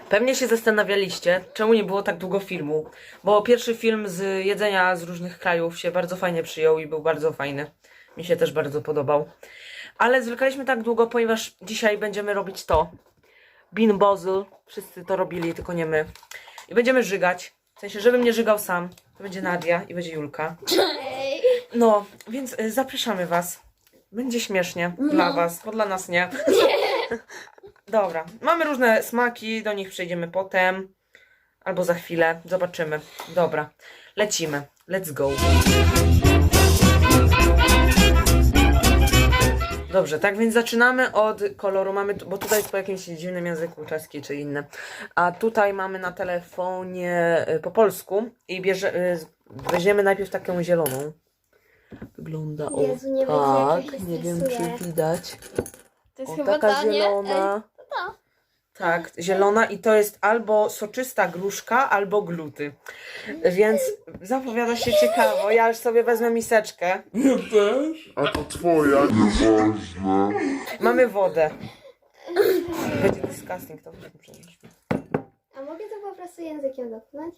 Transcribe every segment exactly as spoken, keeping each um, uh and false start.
Pewnie się zastanawialiście, czemu nie było tak długo filmu, bo pierwszy film z jedzenia z różnych krajów się bardzo fajnie przyjął i był bardzo fajny. Mi się też bardzo podobał. Ale zwlekaliśmy tak długo, ponieważ dzisiaj będziemy robić to. Bean Boozle. Wszyscy to robili, tylko nie my. I będziemy żygać. W sensie, żebym nie żygał sam. To będzie Nadia i będzie Julka. No, więc y, zapraszamy was. Będzie śmiesznie dla was, bo dla nas nie. Dobra, mamy różne smaki, do nich przejdziemy potem. Albo za chwilę, zobaczymy. Dobra, lecimy. Let's go. Dobrze, tak więc zaczynamy od koloru. Mamy, bo tutaj jest po jakimś dziwnym języku, czeski czy inny. A tutaj mamy na telefonie y, po polsku i bierze, y, weźmiemy najpierw taką zieloną. Wygląda o Jezu, nie wiem, jak ja tak, się nie wiem stresuję. czy widać. To jest O, chyba taka ta, nie? zielona. Ej, to ta. Tak, zielona i to jest albo soczysta gruszka, albo gluty. Więc zapowiada się ciekawo. Ja już sobie wezmę miseczkę. Ja też. A to twoja, nieważne. Mamy wodę. Będzie disgusting, to musimy przenieść. A mogę to po prostu językiem dotknąć?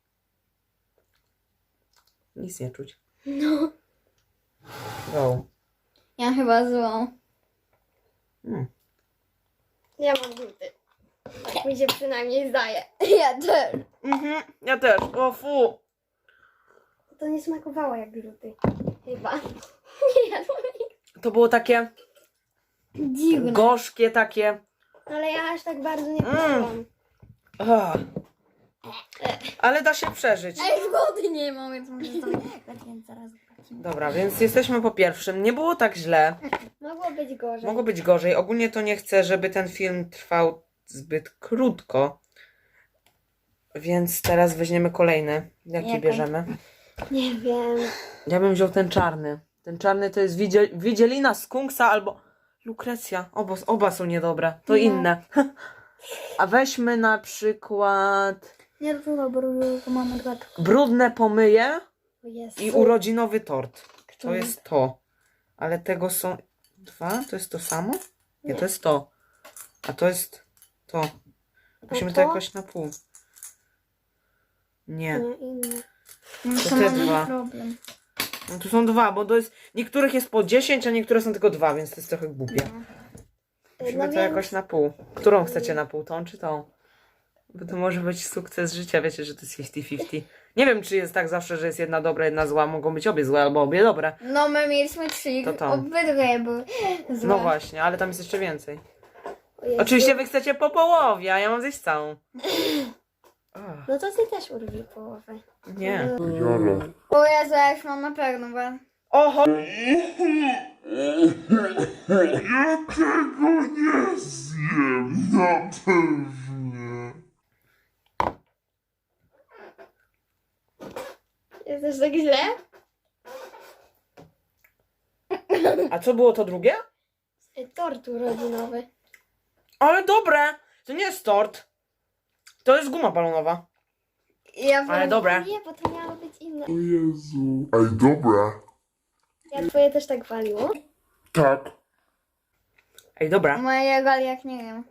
Nic nie czuć. No. Go. Ja chyba złą. Mm. Ja mam gluty. Tak mi się przynajmniej zdaje. Ja też. Mhm, ja też. O fu. To nie smakowało jak gluty. Chyba. Nie jadłam ich. To było takie Dziwne. gorzkie, takie. Ale ja aż tak bardzo nie Mm. poczułam. Ah. Ale da się przeżyć. Ej, wody nie mam, więc może to więc zaraz zobaczymy. Dobra, więc jesteśmy po pierwszym. Nie było tak źle. Mogło być gorzej. Mogło być gorzej. Ogólnie to nie chcę, żeby ten film trwał zbyt krótko. Więc teraz weźmiemy kolejny. Jaki Jaką? bierzemy? Nie wiem. Ja bym wziął ten czarny. Ten czarny to jest widziel widzielina skunksa albo lukrecja. Oba, oba są niedobre. To No. inne. A weźmy na przykład Nie trudno, bo mamy dwa. brudne pomyje O Jezu. i urodzinowy tort. To Który? jest to. Ale tego są dwa? To jest to samo? Nie, Nie. to jest to. A to jest to. Musimy to to? jakoś na pół. Nie. Nie, inne. No To to te mamy dwa. problem. No tu są dwa, bo to jest. Niektórych jest po dziesięć, a niektóre są tylko dwa, więc to jest trochę głupie. Musimy No to więc- jakoś na pół. Którą chcecie na pół? Tą czy tą? Bo to może być sukces życia, wiecie, że to jest pięćdziesiąt pięćdziesiąt. Nie wiem, czy jest tak zawsze, że jest jedna dobra, jedna zła. Mogą być obie złe albo obie dobre. No my mieliśmy trzy, To to. obydwie były złe. No właśnie, ale tam jest jeszcze więcej. O Jezu. Oczywiście wy chcecie po połowie, a ja mam zjeść całą. Ach, No to ty też urwij połowę. nie. Jara. O Jezu, ja już mam na pewno, bo... Oho! Ja tego nie zjem, na pewno. Jest też tak źle? A co było to drugie? Y, Tort urodzinowy. Ale dobre! To nie jest tort. To jest guma balonowa. Ja Ale wiem, dobre. Nie, bo to miało być inne. O Jezu. Ej, dobra. Ja twoje też tak waliło? Tak. Ej, dobra. Mojego, ale jak nie wiem.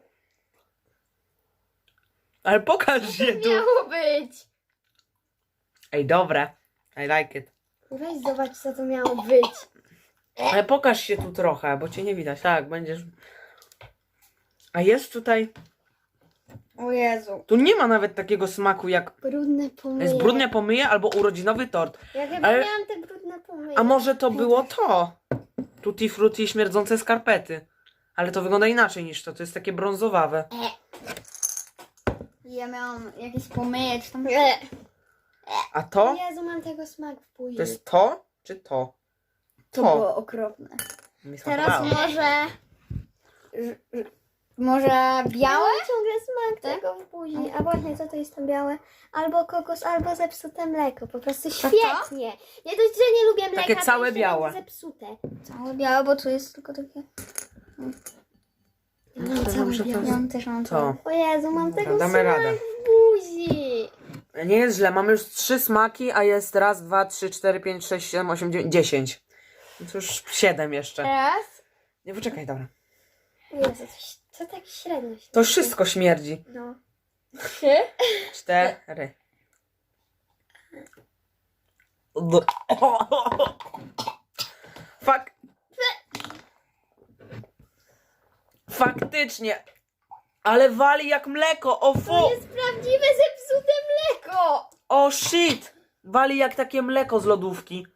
Ale pokaż je tu. Miało być. Ej, dobre. I like it. Weź zobacz, co to miało być. Ale pokaż się tu trochę, bo cię nie widać. Tak, będziesz... A jest tutaj... O Jezu. Tu nie ma nawet takiego smaku jak... Brudne pomyje. Jest brudne pomyje albo urodzinowy tort. Ja chyba Ale- miałam te brudne pomyje. A może to było to? Tutti frutti i śmierdzące skarpety. Ale to wygląda inaczej niż to. To jest takie brązowawe. Ja miałam jakieś pomyje, czy tam... E. A O to? Jezu, mam tego smak w buzi. To jest to? Czy to? To To. było okropne. Mi Teraz smakowało. może... ż- ż- Może białe? Mam ciągle smak Tak? tego w buzi. A właśnie, co to jest tam białe? Albo kokos, albo zepsute mleko. Po prostu to? świetnie. Nie dość, że nie lubię mleka, Takie to całe jeszcze białe. mam zepsute. Całe białe, bo tu jest tylko takie... Ja mam całe Dobrze, to białe. Ja też mam To. całe. O Jezu, mam Dobra, tego damy smak radę. w buzi. Nie jest źle. Mamy już trzy smaki, a jest raz, dwa, trzy, cztery, pięć, sześć, siedem, osiem, dziewięć, dziesięć. No to już siedem jeszcze. Teraz? Nie, poczekaj, dobra. Jezu, to, to tak średnio się To wszystko śmierdzi. No. Trzy. cztery. Fak... Faktycznie. Ale wali jak mleko. O To fu. jest prawdziwe zepsute mleko. O shit. Wali jak takie mleko z lodówki.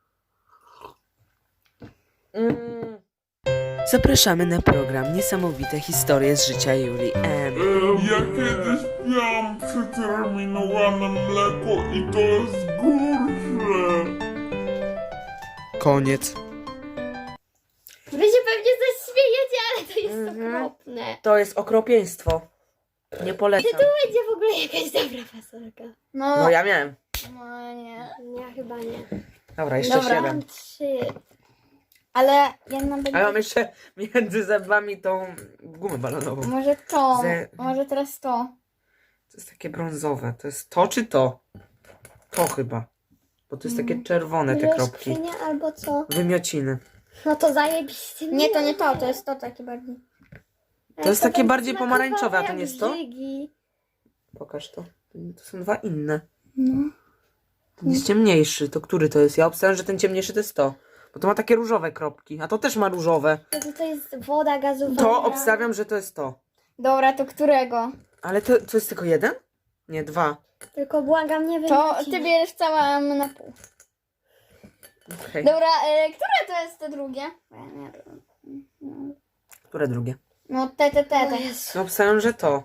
Mm. Zapraszamy na program Niesamowite historie z życia Julii M. Ja kiedyś miałam przeterminowane mleko i to jest gorsze. Koniec. Wy się pewnie coś śmiejecie, ale to jest Mhm. okropne. To jest okropieństwo. Nie polecam. To będzie w ogóle jakaś dobra fasolka. No, No ja miałem. no nie. Ja chyba nie. Dobra, jeszcze Dobra. siedem. Mam trzy. Ale ja mam A ja mam jeszcze między zębami tą gumę balonową. Może to, Ze- może teraz to. To jest takie brązowe. To jest to czy to? To chyba. Bo to jest takie czerwone te Może kropki. skrzynia albo co? Wymiociny. No to zajebiście. Nie, to nie to, to jest to takie bardziej. To jest takie będzie bardziej smakowało pomarańczowe, a to jak nie jest to? żygi. Pokaż to. To są dwa inne. No. Ten jest ciemniejszy. To który to jest? Ja obstawiam, że ten ciemniejszy to jest to. Bo to ma takie różowe kropki. A to też ma różowe. To, to jest woda gazowana. To obstawiam, że to jest to. Dobra, to którego? Ale to, to jest tylko jeden? Nie, dwa. Tylko błagam, nie To wymieci. ty bierzesz całe na pół. Okej. Dobra, e, które to jest to drugie? Bo ja nie wiem. Które drugie? No te, te, te, O te. Jezu. No obstawiam, że to.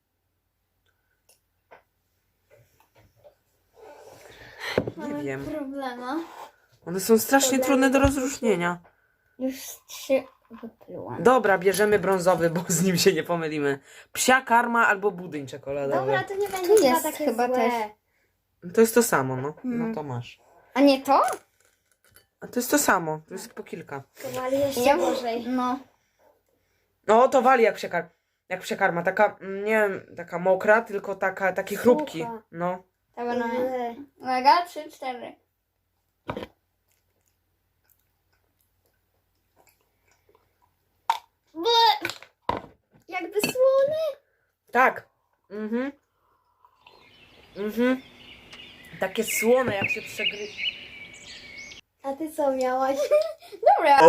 Nie Mamy wiem. problema. One są strasznie trudne do rozróżnienia. Już trzy wyplułam. Dobra, bierzemy brązowy, bo z nim się nie pomylimy. Psia karma albo budyń czekoladowy. Dobra, to nie będzie Tu chyba jest takie chyba złe. też. To jest to samo, no. Mhm. No to masz. A nie to? A to jest to samo. To jest po kilka. To wali jeszcze Ja- gorzej. No. No to wali jak psiekar. Jak psiekarma. Taka, mm, nie wiem, taka mokra, tylko taka, takie Sucha. chrupki. No. Dobra, no. Eee. Uwaga, trzy, cztery. Ble! Jakby słone. Tak. Mhm. Mhm. Takie słone, jak się przegry... A ty co miałaś? Dobra.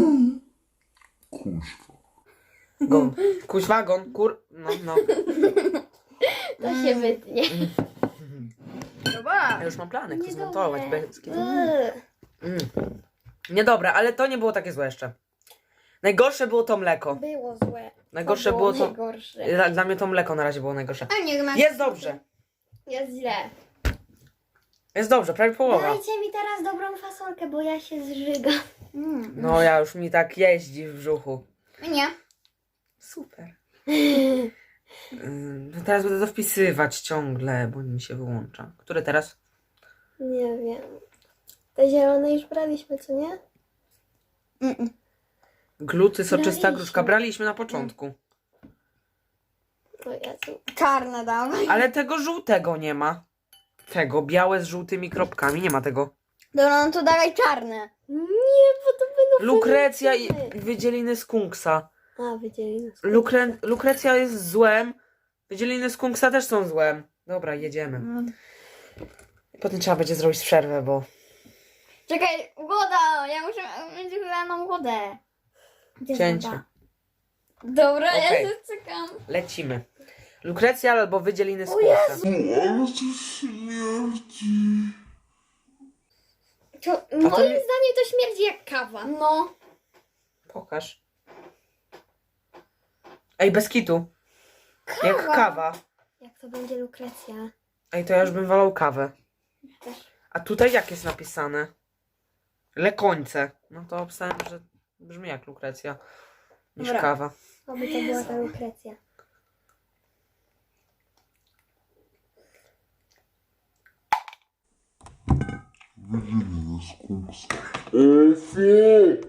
Kuźwa. Gon. Kuźwagon, kur... No, no. To się wytnie. Dobra. Ja już mam plany, jak to Niedobre. zmontować. Bez... Eee. Mm. Niedobre, ale to nie było takie złe jeszcze. Najgorsze było to mleko. Było złe. Najgorsze to było to... Najgorsze. Dla- Dla mnie to mleko na razie było najgorsze. A nie, ma... Jest dobrze. Jest źle. Jest dobrze, prawie połowa. Dajcie mi teraz dobrą fasolkę, bo ja się zżygam. Mm. No ja już mi tak jeździ w brzuchu. Nie. Super. Ym, no teraz będę to wpisywać ciągle, bo mi się wyłącza. Które teraz? Nie wiem. Te zielone już braliśmy, co nie? Mm-mm. Gluty, soczysta Braliśmy. gruszka. Braliśmy na początku. O Jezu. Czarne dawaj. Ale tego żółtego nie ma. Tego, białe z żółtymi kropkami. Nie ma tego. Dobra, no to dawaj czarne. Nie, bo to będą Lukrecja i wymiociny. wydzieliny skunksa. A, wydzieli nas. Lukre... Lukrecja jest złem. Wydzieliny skunksa też są złem. Dobra, jedziemy. Mm. Potem trzeba będzie zrobić przerwę, bo... Czekaj, woda! Ja muszę mieć wylaną wodę. Gdzie Cięcie. woda? Dobra, Okej. ja się czekam. Lecimy. Lukrecja albo wydzieliny O skunksa. Jezu! U, ale to śmierdzi. To, to moim nie- zdaniem to śmierdzi jak kawa. No. Pokaż. Ej, bez kitu. Jak kawa. Jak to będzie lukrecja? Ej, to ja już bym wolał kawę. Też. A tutaj jak jest napisane? Lekońce. No to obstałem, że brzmi jak lukrecja. Niż Dobra. kawa. Oby to była ta lukrecja. Wydzieliny skunksa. O, fu!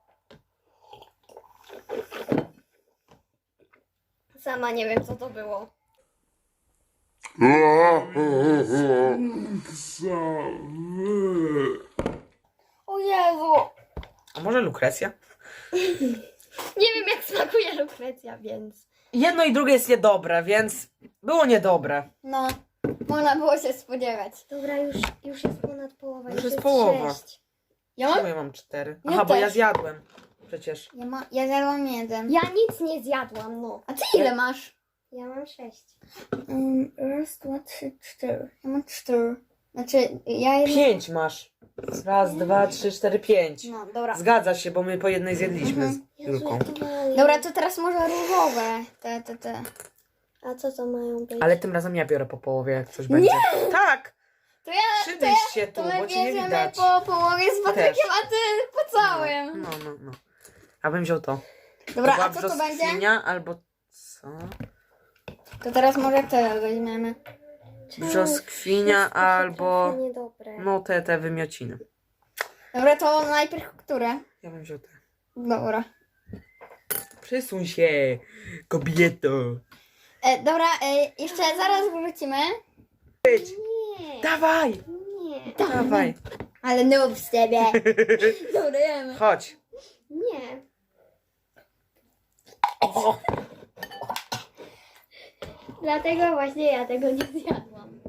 Sama nie wiem, co to było. Skunksa. O Jezu. A może lukrecja? Nie wiem, jak smakuje lukrecja, więc... Jedno i drugie jest niedobre, więc było niedobre. No, można było się spodziewać. Dobra, już, już jest ponad połowa. Już jest połowa. sześć. Ja Czemu mam? ja mam cztery? Ja Aha, bo ja też. zjadłem. Przecież. Ja, ma, ja zjadłam jeden. Ja nic nie zjadłam, no. A ty ile masz? Ja mam sześć. Um, raz, dwa, trzy, cztery. Ja mam cztery. Znaczy, ja jedno... Pięć masz. Raz, dwa, trzy, cztery, pięć. No, dobra. Zgadza się, bo my po jednej zjedliśmy Mhm. z Jezu, Julką. jak to mało Dobra, jest. to teraz może różowe. Te, te, te. A co to mają być? Ale tym razem ja biorę po połowie, jak coś będzie. Tak! To ja, Przybyś się tu, to my bo cię nie bierzemy widać. po połowie z Patrykiem, Też. a ty po całym. No, no, no. Ja bym wziął to. Dobra, to a była co to będzie? brzoskwinia albo co? To teraz może te weźmiemy. Brzoskwinia Wszystko albo... trochę niedobre. No te, te wymiociny. Dobra, to najpierw które? Ja bym wziął te. Dobra. Przesuń się, kobieto. E, dobra, e, jeszcze zaraz wrócimy. Nie, Dawaj, nie, dawaj. Ale noob z ciebie. Dobra, jemy. Chodź. nie. O, Dlatego właśnie ja tego nie zjadłam.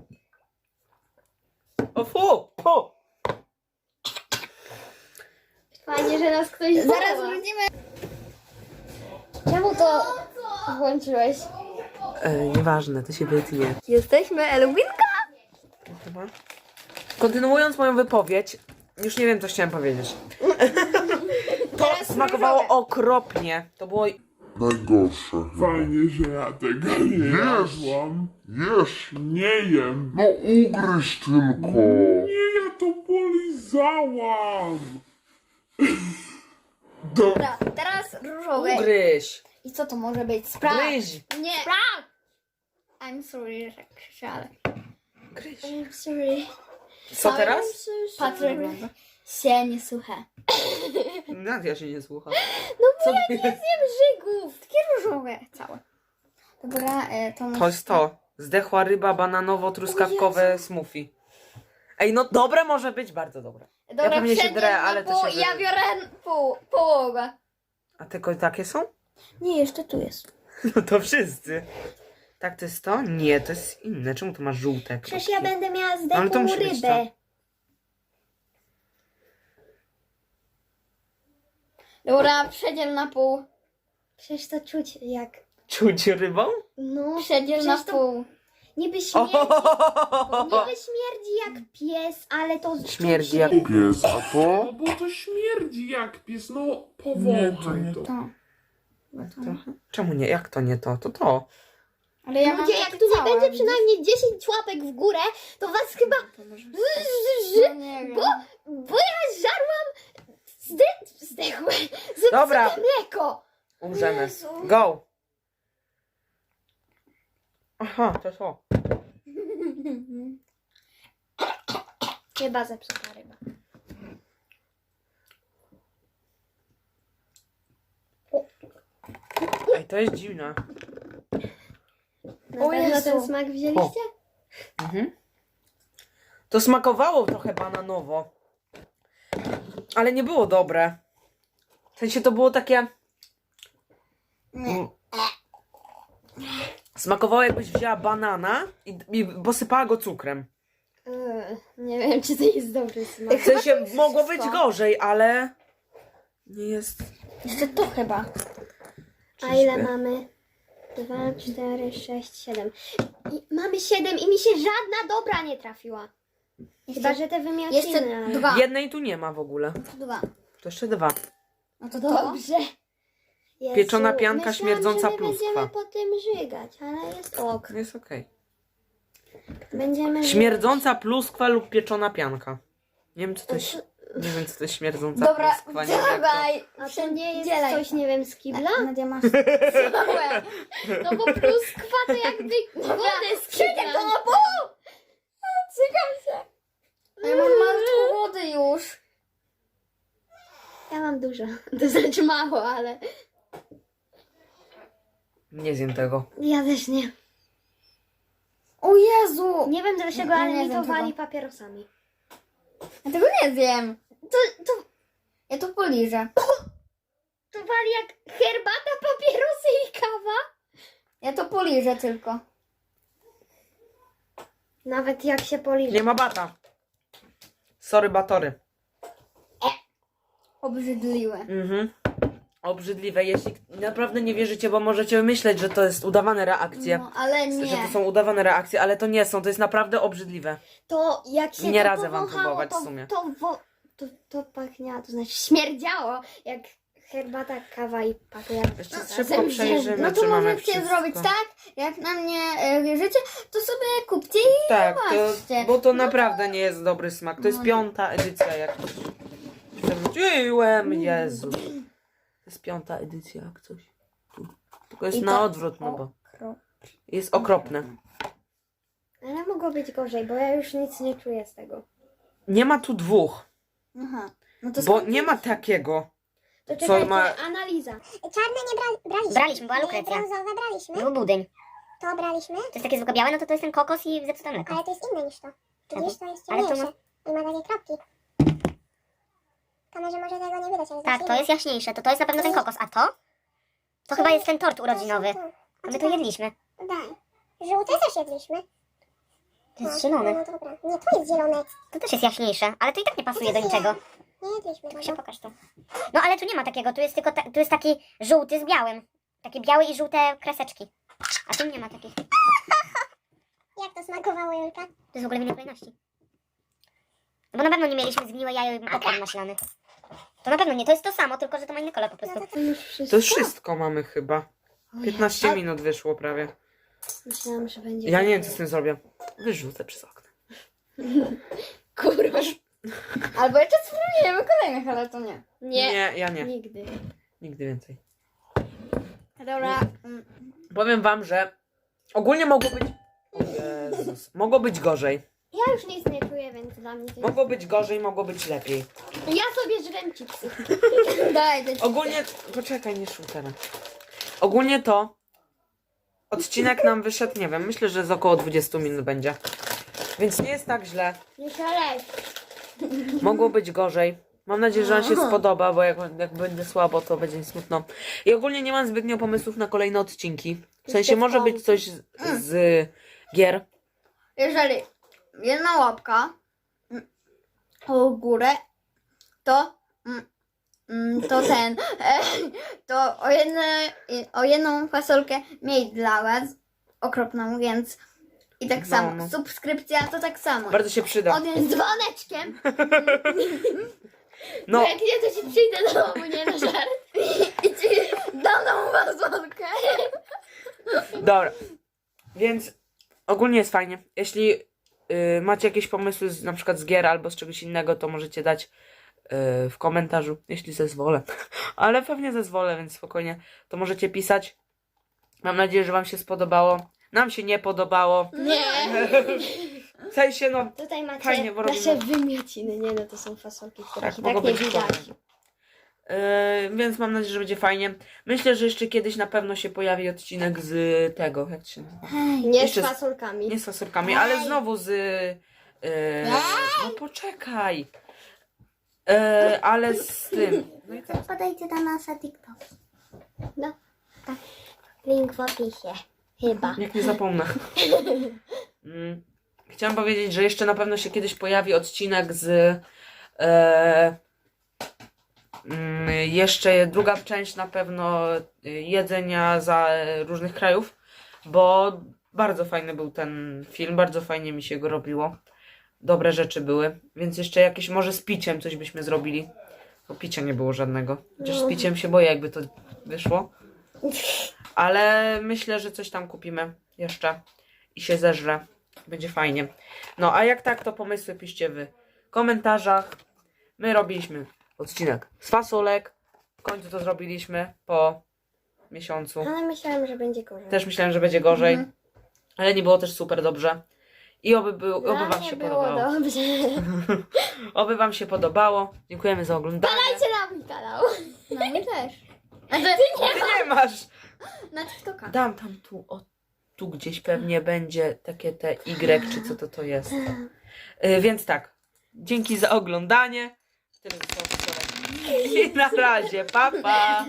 o fu, fu. Fajnie, że nas ktoś Zaraz woła. wrócimy. Czemu to włączyłeś? E, nieważne, to się wytnie. Jesteśmy Elwinka. Chyba. Kontynuując moją wypowiedź, już nie wiem, co chciałem powiedzieć. To Teraz smakowało różowe. okropnie. To było... Najgorsze. Fajnie, że ja tego nie Jesz, jadłam. jesz. Nie jem. No ugryź tylko. Nie, ja to polizałam. Dobra. Dobra, teraz różowe. Ugryź. I co to może być? Sprawdź. Gryź. Nie. I'm sorry, że krzyczałem. Gryź. I'm sorry. Co teraz? Patryk się nie słucha. Nadia się nie słucha. No Co bo ja ty- nie zjem żygów. Takie różowe całe. Dobra, e, to To jest to. Zdechła ryba bananowo-truskawkowe smoothie. Ej, no dobre może być, bardzo dobre. Dobra, pewnie się przejdziemy drę, na ale to pół się i ja wy- biorę pół, połowę. A tylko takie są? Nie, jeszcze tu jest. No to wszyscy. Tak, to jest to? Nie, to jest inne. Czemu tu masz żółte? Przecież kropki? ja będę miała Ale to zdechłą musi być rybę. Dobra, przejdziemy na pół. Przecież to czuć jak... Czuć rybą? No, Przejdziemy na przecież to pół. niby śmierdzi, O! niby śmierdzi jak pies, ale to Śmierdzi czuć, jak... że- Pies, a to? No bo to śmierdzi jak pies, no Nie, to powąchaj nie to. To. Trochę? Czemu nie? Jak to nie to? To to. Ale ja mam Ludzie, jak takie tu nie całe, będzie widzisz? przynajmniej dziesięć łapek w górę, to was chyba... No nie wiem. Bo, bo ja żarłam zde, zdechłe, zepsute Dobra. mleko. Umrzemy. Jezu. Go! Aha, to to. Chyba zepsuta ryba. Ej, to jest dziwne. Na O pewno Jezu. ten smak wzięliście? Mhm. To smakowało trochę bananowo. Ale nie było dobre. W sensie to było takie... Nie. Smakowało jakbyś wzięła banana i, i posypała go cukrem. Eee, nie wiem, czy to jest dobry smak. W sensie to jest mogło być wszystko. gorzej, ale... Nie jest... Jeszcze to chyba. A ile mamy? Dwa, cztery, sześć, siedem. I mamy siedem i mi się żadna dobra nie trafiła. Chyba, że te wymiociny. Jeszcze ale- dwa. Jednej tu nie ma w ogóle. Dwa. To jeszcze dwa. No to to. Dobrze. Jezu, Pieczona pianka myślałam, śmierdząca że my pluskwa. będziemy po tym żygać, ale jest ok. Jest okej. Będziemy Śmierdząca pluskwa lub pieczona pianka. Nie wiem co to jest... Nie wiem co to jest śmierdząca Dobra, pluskwa. Nie wiem, jak to... dawaj. A to nie jest Dzielaj. coś, nie wiem, z kibla? Nadia masz całe. No bo pluskwa to jakby wodę z Przyjdę kibla. to na pół. Cykam się. A ja mam malutką wody już. Ja mam dużo. To znaczy mało, ale Nie zjem tego. ja też nie. O Jezu. Nie wiem dlaczego, Ja ale nie mi to wiem wali tego. papierosami. Ja tego nie zjem. To, to... Ja to poliżę. To wali jak herbata, papierosy i kawa. Ja to poliżę tylko. Nawet jak się poliże. Nie ma bata. Sorry, batory. Obrzydliwe. Mhm. Obrzydliwe. Jeśli naprawdę nie wierzycie, bo możecie myśleć, że to jest udawane reakcje. No, ale nie. Że to są udawane reakcje, ale to nie są. To jest naprawdę obrzydliwe. To jak się Nie to radzę wam powąchało, próbować w to, sumie. To, wo, to, to pachniało, to znaczy śmierdziało jak herbata, kawa i papier. Jeszcze Razem szybko wzięte. przejrzymy, No czy to mamy możecie wszystko. zrobić tak, jak na mnie e, wierzycie, to sobie kupcie i Tak, zobaczcie. to, bo to naprawdę nie jest dobry smak. To jest No. piąta edycja, jak ktoś przewróciłem, Jezu. To jest piąta edycja, jak coś. Tu. Tylko jest I na to odwrót, no bo okro- jest okropne. Ale mogło być gorzej, bo ja już nic nie czuję z tego. Nie ma tu dwóch, Aha. No to bo skąd nie ma wiecie? takiego. To Co czekajcie, ma- analiza. Czarne nie bra braliśmy. Braliśmy, była Nie, lukrecja. brązowe braliśmy. Był budyń. To braliśmy, To jest takie zwykłe białe, no to to jest ten kokos i zepsute mleko. ale to jest inne niż to. Widzisz, to jest Ale to ciemniejsze. I ma takie kropki. Kamerze może tego nie widać, ale Tak, to jest jaśniejsze. To to jest na pewno ten kokos. A to? To chyba jest ten tort urodzinowy. A my to jedliśmy. Daj. Żółte też jedliśmy. To jest No, zielone. No dobra. Nie, to jest zielone. To też jest jaśniejsze, ale to i tak nie pasuje do niczego. Nie jedliśmy Się tego. pokaż to. No ale tu nie ma takiego, tu jest tylko ta, tu jest taki żółty z białym. Takie białe i żółte kreseczki. A tu nie ma takich. To Jak to smakowało, Julka? jest w ogóle w innej kolejności. No bo na pewno nie mieliśmy zgniłe jajo i popcorn maślany. To na pewno nie, to jest to samo, tylko że to ma inny kolor po prostu. To już wszystko. To już wszystko mamy chyba. O piętnaście ja- minut wyszło prawie. Myślałam, że będzie. Ja nie wiem, co z tym zrobię. Wyrzucę przez okno. Kurwa. Albo jeszcze spróbujemy kolejnych, ale to nie. Nie. Nie, ja nie. Nigdy. Nigdy więcej. Dobra. mm, Powiem wam, że ogólnie mogło być... O Jezus. Mogło być gorzej. Ja już nic nie czuję, więc dla mnie to jest... Mogło być gorzej, mogło być lepiej. Ja sobie żrem chipsy. Daj, daj. Ogólnie... Poczekaj, nie szum teraz. Ogólnie to... Odcinek nam wyszedł, nie wiem, myślę, że z około dwudziestu minut będzie. Więc nie jest tak źle. Nie szalej. Mogło być gorzej. Mam nadzieję, że Wam się spodoba, bo jak, jak będzie słabo, to będzie mi smutno. I ogólnie nie mam zbytnio pomysłów na kolejne odcinki. W sensie może być coś z, z gier. Jeżeli jedna łapka mm, w górę, to mm, mm, to ten e, to o, jedne, o jedną fasolkę mniej dla was okropną, więc i tak No, samo. no. Subskrypcja to tak samo. Bardzo się przyda. Odjąć Z dzwoneczkiem. No, Jak nie, to ci przyjdę do domu, nie na żart. i ci dam tą fasolkę. dobra. Więc ogólnie jest fajnie. Jeśli y, macie jakieś pomysły z, na przykład z gier albo z czegoś innego, to możecie dać y, w komentarzu, jeśli zezwolę. Ale pewnie zezwolę, więc spokojnie. To możecie pisać. Mam nadzieję, że Wam się spodobało. Nam się nie podobało. Nie. W sensie, no, Tutaj macie Fajnie, bo nasze robimy- wymiociny. Nie no, to są fasolki, których tak, i mogło tak nie być widać. gorzej. Yy, więc mam nadzieję, że będzie fajnie. Myślę, że jeszcze kiedyś na pewno się pojawi odcinek z tego, jak to się nazywa? Nie Jeszcze z z- fasolkami. Nie z fasolkami, ale znowu z... Yy, no poczekaj. Yy, ale z tym. No i tak. Podajcie na nasze TikTok. No, tak. Link w opisie. Chyba. Jak nie zapomnę. Mm. Chciałam powiedzieć, że jeszcze na pewno się kiedyś pojawi odcinek z... E, mm, jeszcze druga część na pewno y, jedzenia za e, różnych krajów, bo bardzo fajny był ten film, bardzo fajnie mi się go robiło. Dobre rzeczy były, więc jeszcze jakieś może z piciem coś byśmy zrobili. Bo picia nie było żadnego. Chociaż z piciem się boję, jakby to wyszło. Ale myślę, że coś tam kupimy jeszcze i się zeżre. Będzie fajnie. No a jak tak, to pomysły piszcie w komentarzach. My robiliśmy odcinek z fasolek. W końcu to zrobiliśmy po miesiącu. Ale myślałam, że będzie gorzej. Też myślałem, że będzie gorzej. Ale nie było też super dobrze. I oby, był, oby Dla wam mnie się było podobało. dobrze. Oby wam się podobało. Dziękujemy za oglądanie. Dajcie na mój kanał. No my też. Znaczy, Ty nie masz! na TikToka. Dam tam tu, o, tu gdzieś pewnie będzie takie te Y, czy co to to jest. Y, więc tak, dzięki za oglądanie. Tyle zostało wczoraj. I na razie, pa pa!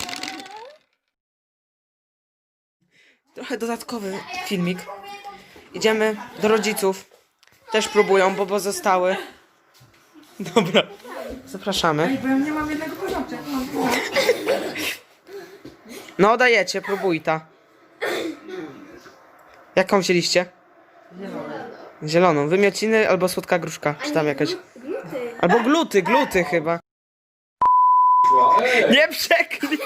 Trochę dodatkowy filmik. Idziemy do rodziców. Też próbują, bo, bo zostały. Dobra. Zapraszamy. Bo ja nie mam jednego porządku. No dajecie, próbuj ta. Jaką wzięliście? Zieloną. Zieloną. Wymiociny albo słodka gruszka. Czy tam jakaś? Albo gluty, gluty chyba. Nie przeknij!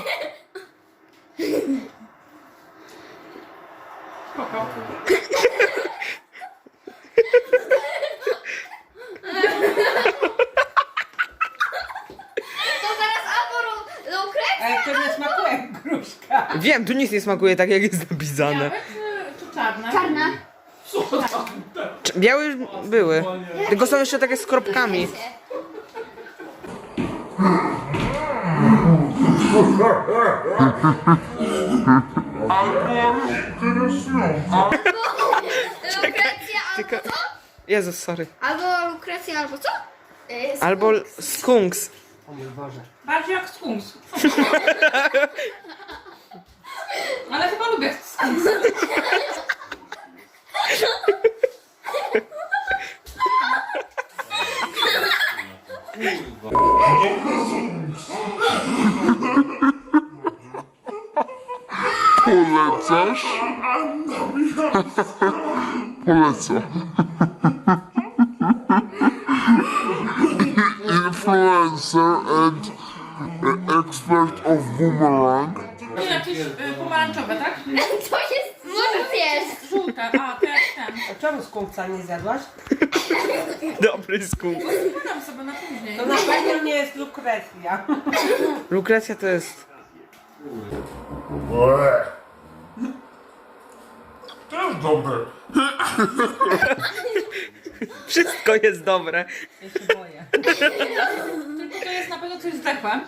Spoko. To zaraz albo lu- lukrecja, Ale to nie smakuje jak gruszka. Wiem, tu nic nie smakuje tak jak jest napisane. Czy, czy czarne? czarna. Czy- Białe już były. Tylko są jeszcze takie z kropkami. Lukrecja Tylko... albo co? Jezus, sorry. Albo lukrecja albo co? Yy, Albo skunks. Bardziej jak skunks. Ale chyba lubię skunks. Polecasz? Polecam. Influencer and expert of boomerang. To jakieś y, pomarańczowe, tak? to jest, może jest. Żółte, a te jak ten. Czemu skunkca nie zjadłaś? Dobry skunks. Podam sobie na później. To na pewno nie jest lukrecja. Lukrecja to jest... Łe. Też dobre. Wszystko jest dobre. Ja się boję. Tylko to jest na pewno coś zdechłe.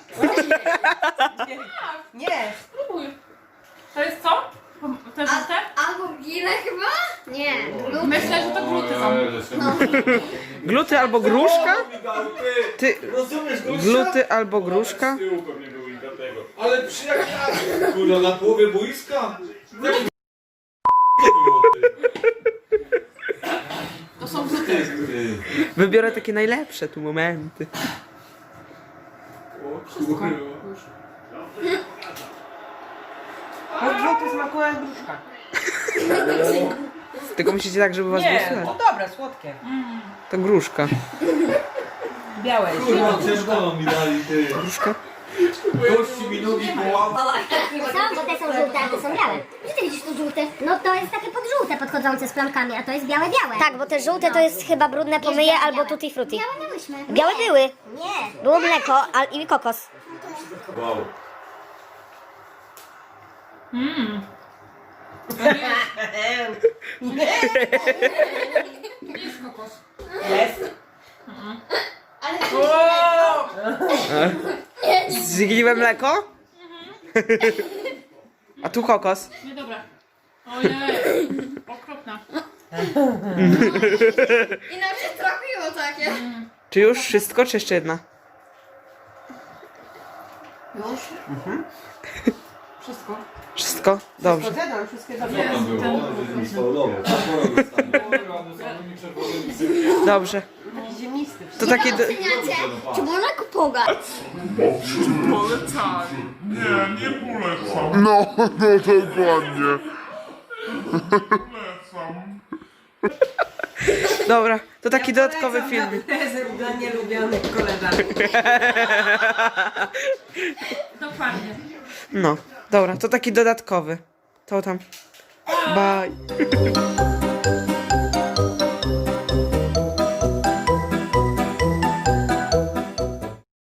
Nie. Spróbuj. To jest co? Te żółte? Albo gile chyba? Nie. Myślę, że to gluty są. Gluty albo gruszka? Ty... Gluty albo gruszka? Ale przy jak ja, kurwa, na połowie boiska? Jaki To są gluty. Wybiorę takie najlepsze tu momenty. Wszystko. Bo gluty smakuje jak gruszka. Tylko musicie tak, żeby was było Nie, słychać. no dobre, słodkie. To gruszka. Białe jest. kurwa, ciężko mi dali, ty. Gruszka? Gości mi nogi połamał. Co? Bo te są żółte, a te są białe. Gdzie ty widzisz tu żółte? No to jest takie podżółte podchodzące z plamkami, a to jest białe, białe. Tak, bo te żółte to jest chyba brudne pomyje albo tutti frutti. Białe miałyśmy. Białe były. Nie. Było mleko a, i kokos. Wow. Mmm. Jest kokos. Jest. Ale Zgniłe mleko? A tu kokos. Niedobre. Ojej. Okropne. i nam się trafiło takie. Czy już wszystko, czy jeszcze jedna? Już? Wszystko. Wszystko? Dobrze. Zjadłam wszystkie dobre. Jest Tam było, że mi spawlował. Dobrze. Taki ziemnisty. To takie... Do... Oceniacie, czy można go pogać? Polecam. Nie, nie polecam. No, no dokładnie. Polecam. Dobra, to taki dodatkowy film. Prezent dla nielubionych koleżanek. Dokładnie. No, dobra, to taki dodatkowy. To tam. Bye.